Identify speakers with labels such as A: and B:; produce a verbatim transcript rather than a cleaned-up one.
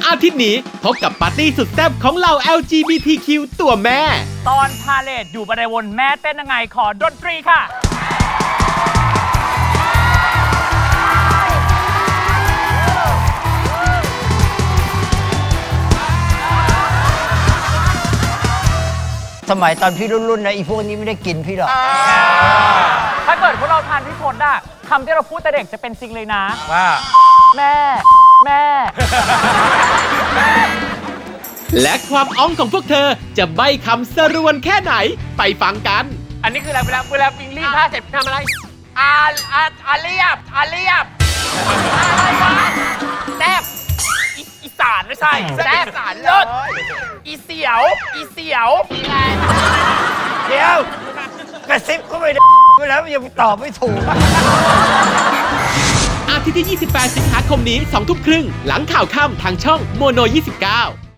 A: อาทิตย์นี้พบกับปาร์ตี้สุดแซ่บของเหล่า แอล จี บี ที คิว ตัวแม่
B: ตอนพาเลทอยู่บันไดวนแม่เต้นยังไงขอดนตรีค่ะ
C: สมัยตอนพี่รุ่นๆนะอีพวกนี้ไม่ได้กินพี่หรอก
B: ถ้าเกิดพวกเราทานพี่พลอะคำที่เราพูดแต่เด็กจะเป็นจริงเลยนะ
D: ว่า
B: แม่ แม่
A: และความอ้องของพวกเธอจะใบ้คำสรวนแค่ไหนไปฟังกัน
D: อันนี้คืออะไรเวลาเวลาปิงรีดผ้าเสร็จทำอะไรอาอาอาเรียบอาเรียบอะไรวะแซบอีอีสานไม่ใช่แซบอีสานเลิศอีเสียวอีเสียว
C: เดี๋ยวกระซิบก็ไม่ได้ไปแล้วยังตอบไม่ถูก
A: อาทิตย์ที่ ยี่สิบแปด สิงหาคมนี้ สองทุ่มครึ่ง หลังข่าวค่ำทางช่องโมโน ยี่สิบเก้า